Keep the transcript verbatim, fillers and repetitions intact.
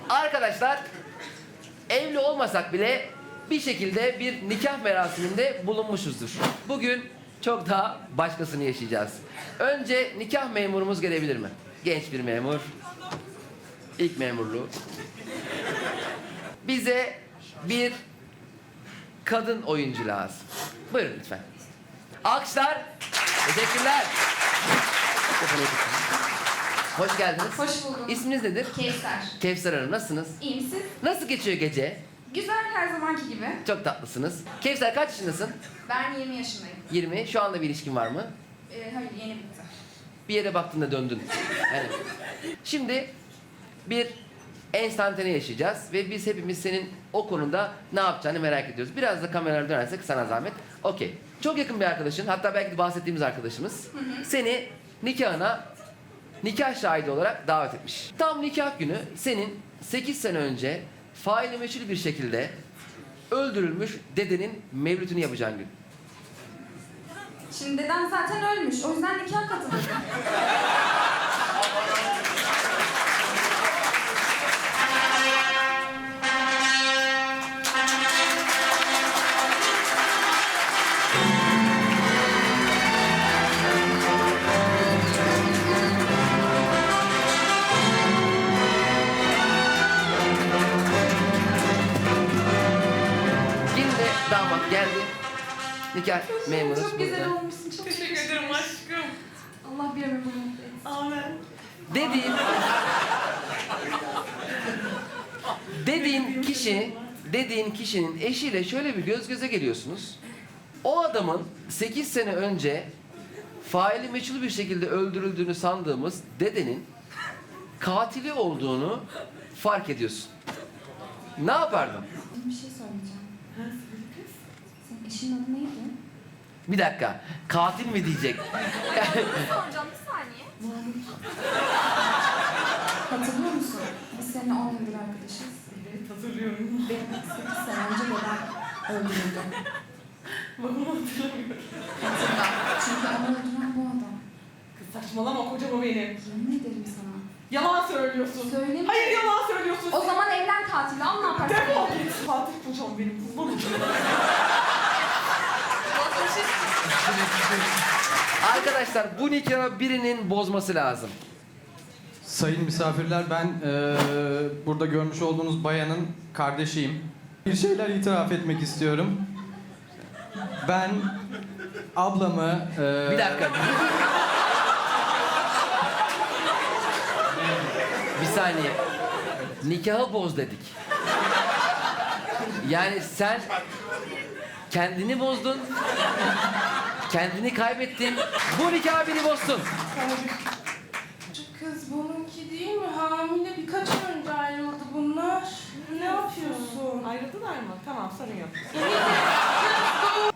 Arkadaşlar, evli olmasak bile bir şekilde bir nikah merasiminde bulunmuşuzdur. Bugün çok daha başkasını yaşayacağız. Önce nikah memurumuz gelebilir mi? Genç bir memur. İlk memurluğu. Bize bir kadın oyuncu lazım. Buyurun lütfen. Alkışlar. Teşekkürler. Hoş geldiniz. Hoş buldum. İsminiz nedir? Kevser. Kevser Hanım, nasılsınız? İyi misin? Nasıl geçiyor gece? Güzel, her zamanki gibi. Çok tatlısınız. Kevser, kaç yaşındasın? Ben yirmi yaşındayım. yirmi. Şu anda bir ilişkin var mı? Ee, hayır, yeni bitti. Bir yere baktığında döndün. Yani. Şimdi bir enstantane yaşayacağız ve biz hepimiz senin o konuda ne yapacağını merak ediyoruz. Biraz da kameralara dönersek sana zahmet. Okey. Çok yakın bir arkadaşın, hatta belki de bahsettiğimiz arkadaşımız Hı hı. seni nikahına nikah şahidi olarak davet etmiş. Tam nikah günü senin sekiz sene önce faili meçhul bir şekilde öldürülmüş dedenin mevlütünü yapacağın gün. Şimdi dedem zaten ölmüş, o yüzden nikah katıldım. Şimdi de damat geldi. Nikah memurumuz Çok güzel burada. olmuşsun, çok Teşekkür ederim aşkım. Allah bir ömür boyu mutlu etsin. Amen. Dediğin dediğin kişi dediğin kişinin eşiyle şöyle bir göz göze geliyorsunuz. O adamın sekiz sene önce faili meçhul bir şekilde öldürüldüğünü sandığımız dedenin katili olduğunu fark ediyorsun. Ne yapardın? Bir şey söyleyeceğim. Senin eşinin adı neydi? Bir dakika. Katil mi diyecek? Soracağım, bir saniye. Hatırlıyor musun? Biz seninle on yıldır arkadaşız. Evet, hatırlıyorum. Benim sekiz sene önce dedem öldürüldü. Babamı hatırlamıyorum. Hatırla. Çünkü onu öldüren bu adam. Kız saçmalama, kocam o benim. Yemin ederim sana. Yalan söylüyorsun. Söyleme. Hayır, yalan söylüyorsun. O zaman evlen katili, al ne yaparsın? Defol git. Fatih kocam benim. Kurban olayım. Arkadaşlar, bu nikahı birinin bozması lazım. Sayın misafirler, ben eee, burada görmüş olduğunuz bayanın kardeşiyim. Bir şeyler itiraf etmek istiyorum. Ben ablamı... eee, Bir dakika. Bir saniye. Nikahı boz dedik. Yani sen kendini bozdun. Kendini kaybettin. Bu nikahı biri bozsun. Kız bununki değil mi? Hamile birkaç ay önce ayrıldı bunlar. Ne yapıyorsun? Ayrıldılar mı? Tamam, sorun yok. Kız